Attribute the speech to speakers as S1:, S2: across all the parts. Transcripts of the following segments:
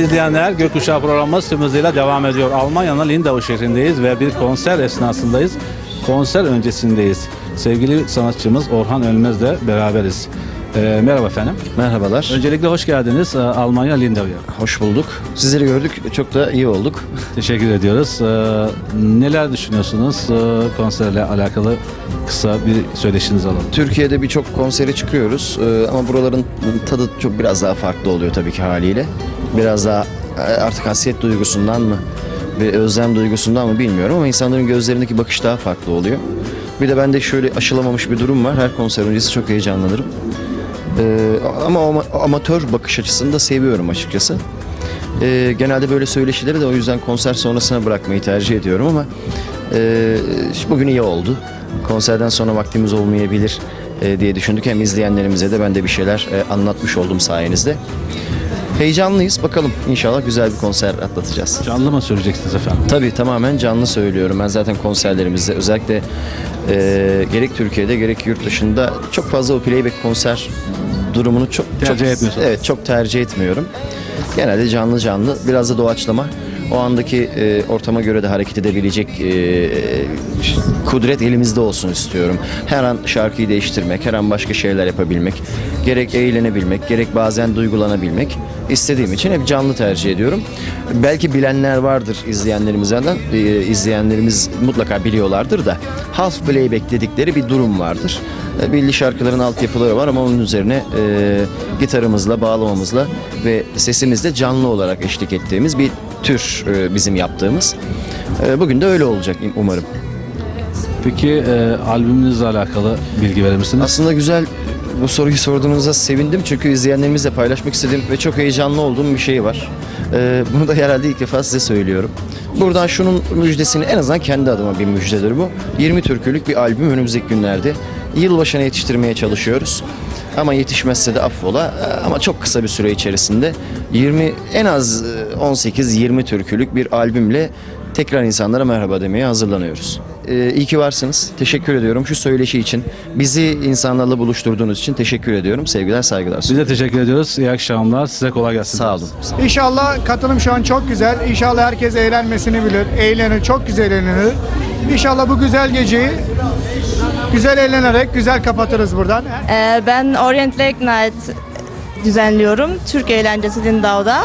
S1: izleyenler, Gökkuşağı programımız tüm hızıyla devam ediyor. Almanya'nın Lindau şehrindeyiz ve bir konser esnasındayız. Konser öncesindeyiz. Sevgili sanatçımız Orhan Ölmez'le beraberiz. Merhaba efendim.
S2: Merhabalar.
S1: Öncelikle hoş geldiniz Almanya Lindau'ya.
S2: Hoş bulduk. Sizleri gördük. Çok da iyi olduk.
S1: Teşekkür ediyoruz. Neler düşünüyorsunuz konserle alakalı kısa bir söyleşinizi alalım.
S2: Türkiye'de birçok konsere çıkıyoruz ama buraların tadı çok biraz daha farklı oluyor tabii ki haliyle. Biraz daha artık hasret duygusundan mı, bir özlem duygusundan mı bilmiyorum ama insanların gözlerindeki bakış daha farklı oluyor. Bir de bende şöyle aşılamamış bir durum var. Her konser öncesi çok heyecanlanırım. Ama amatör bakış açısını da seviyorum açıkçası. Genelde böyle söyleşileri de o yüzden konser sonrasına bırakmayı tercih ediyorum ama bugün iyi oldu. Konserden sonra vaktimiz olmayabilir diye düşündük. Hem izleyenlerimize de ben de bir şeyler anlatmış oldum sayenizde. Heyecanlıyız. Bakalım inşallah güzel bir konser atlatacağız.
S1: Canlı mı söyleyeceksiniz efendim?
S2: Tabii tamamen canlı söylüyorum. Ben zaten konserlerimizde özellikle gerek Türkiye'de gerek yurt dışında çok fazla o playback konser durumunu çok
S1: Tercih etmiyorsunuz.
S2: Evet, çok tercih etmiyorum. Genelde canlı biraz da doğaçlama. O andaki ortama göre de hareket edebilecek kudret elimizde olsun istiyorum. Her an şarkıyı değiştirmek, her an başka şeyler yapabilmek, gerek eğlenebilmek, gerek bazen duygulanabilmek istediğim için hep canlı tercih ediyorum. Belki bilenler vardır izleyenlerimizden, izleyenlerimiz mutlaka biliyorlardır da half playback dedikleri bir durum vardır. Belli şarkıların altyapıları var ama onun üzerine gitarımızla, bağlamamızla ve sesimizle canlı olarak eşlik ettiğimiz bir tür bizim yaptığımız. Bugün de öyle olacak umarım.
S1: Peki albümünüzle alakalı bilgi verir misiniz?
S2: Aslında güzel bu soruyu sorduğunuza sevindim çünkü izleyenlerimizle paylaşmak istediğim ve çok heyecanlı olduğum bir şey var. Bunu da herhalde ilk defa size söylüyorum. Buradan şunun müjdesini, en azından kendi adıma bir müjdedir bu. 20 türkülük bir albüm önümüzdeki günlerde. Yılbaşına yetiştirmeye çalışıyoruz. Ama yetişmezse de affola. Ama çok kısa bir süre içerisinde en az 18-20 türkülük bir albümle tekrar insanlara merhaba demeye hazırlanıyoruz. İyi ki varsınız. Teşekkür ediyorum şu söyleşi için. Bizi insanlarla buluşturduğunuz için teşekkür ediyorum. Sevgiler, saygılar.
S1: Biz de teşekkür ediyoruz. İyi akşamlar. Size kolay gelsin.
S2: Sağ olun.
S3: İnşallah katılım şu an çok güzel. İnşallah herkes eğlenmesini bilir. Eğlenir, çok güzel eğlenir. İnşallah bu güzel geceyi güzel eğlenerek güzel kapatırız buradan.
S4: Ben Orient Lake Night düzenliyorum. Türk eğlencesi Lindau'da.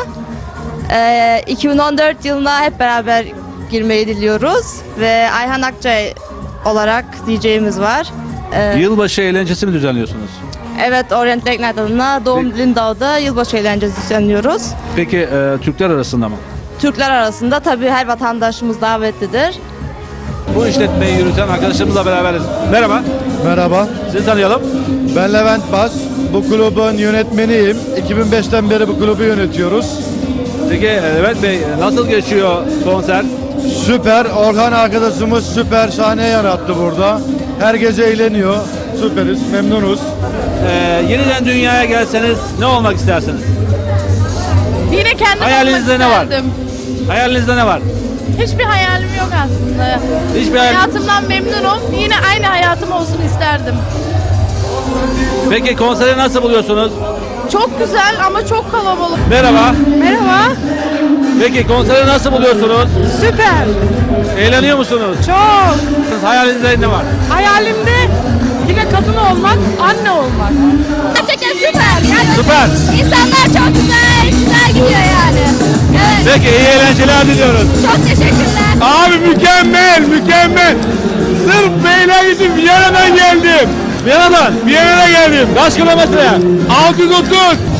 S4: 2014 yılına hep beraber girmeyi diliyoruz ve Ayhan Akçay olarak DJ'miz var.
S1: Yılbaşı eğlencesi mi düzenliyorsunuz?
S4: Evet, Orient Lake Night adına Doğum Lindau'da yılbaşı eğlencesi düzenliyoruz.
S1: Peki Türkler arasında mı?
S4: Türkler arasında tabii her vatandaşımız davetlidir.
S1: Bu işletmeyi yürüten arkadaşlarımızla beraberiz. Merhaba.
S5: Merhaba,
S1: Sizi tanıyalım.
S5: ben Levent Bas. Bu kulübün yönetmeniyim. 2005'ten beri bu kulübü yönetiyoruz.
S1: Peki Levent Bey nasıl geçiyor konser?
S5: Süper, Orhan arkadaşımız süper sahne yarattı burada. Herkes eğleniyor, süperiz, memnunuz.
S1: Yeniden dünyaya gelseniz ne olmak istersiniz?
S6: Yine kendim
S1: Hayalinizde ne var? Hayalinizde ne var?
S6: Hiçbir hayalim yok aslında.
S1: Hiçbir hayal...
S6: Hayatımdan memnunum. Yine aynı hayatım olsun isterdim.
S1: Peki konseri nasıl buluyorsunuz?
S6: Çok güzel ama çok kalabalık.
S1: Merhaba.
S6: Merhaba.
S1: Peki konseri nasıl buluyorsunuz?
S6: Süper.
S1: Eğleniyor musunuz?
S6: Çok.
S1: Hayalinizde ne var?
S6: Hayalimde yine kadın olmak, anne olmak.
S7: Gerçekten süper. Yani
S1: Süper.
S7: İnsanlar çok güzel gidiyor yani. Evet,
S1: Peki iyi eğlenceler diliyoruz.
S7: çok teşekkürler.
S1: Abi mükemmel. Sırf beyler için Viyana'dan geldim. Viyana'dan geldim. Kaç kilometre? 630.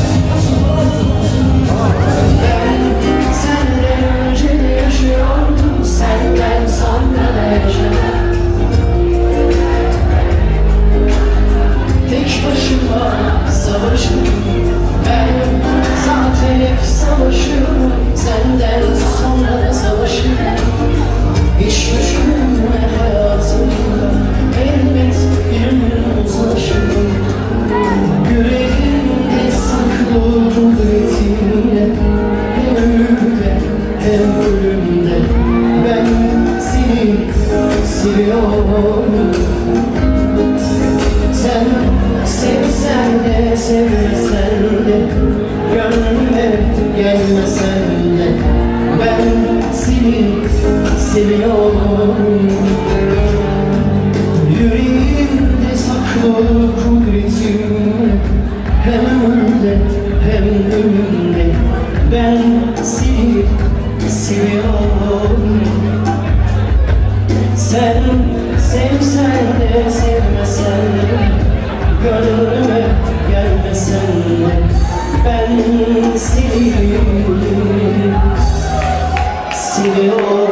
S8: Tek başıma savaşım, ben zaten hep savaşıyorum. Senden sonra da savaşım. Hiç düşünme hayatımda, elbet bir gün uzlaşırım. Yüreğimde saklı kudretinle, hem ölümde hem ölümde ben seni seviyorum. Sen sevsen de sevmesen de gönlüme gelmesen seni seviyorum. Yüreğimde saklı kudretin, hem ömrümde hem ölümde ben seni seviyorum. Sen sevsen de sevmesen de, gönlüme gelmesen de ben seni seviyorum.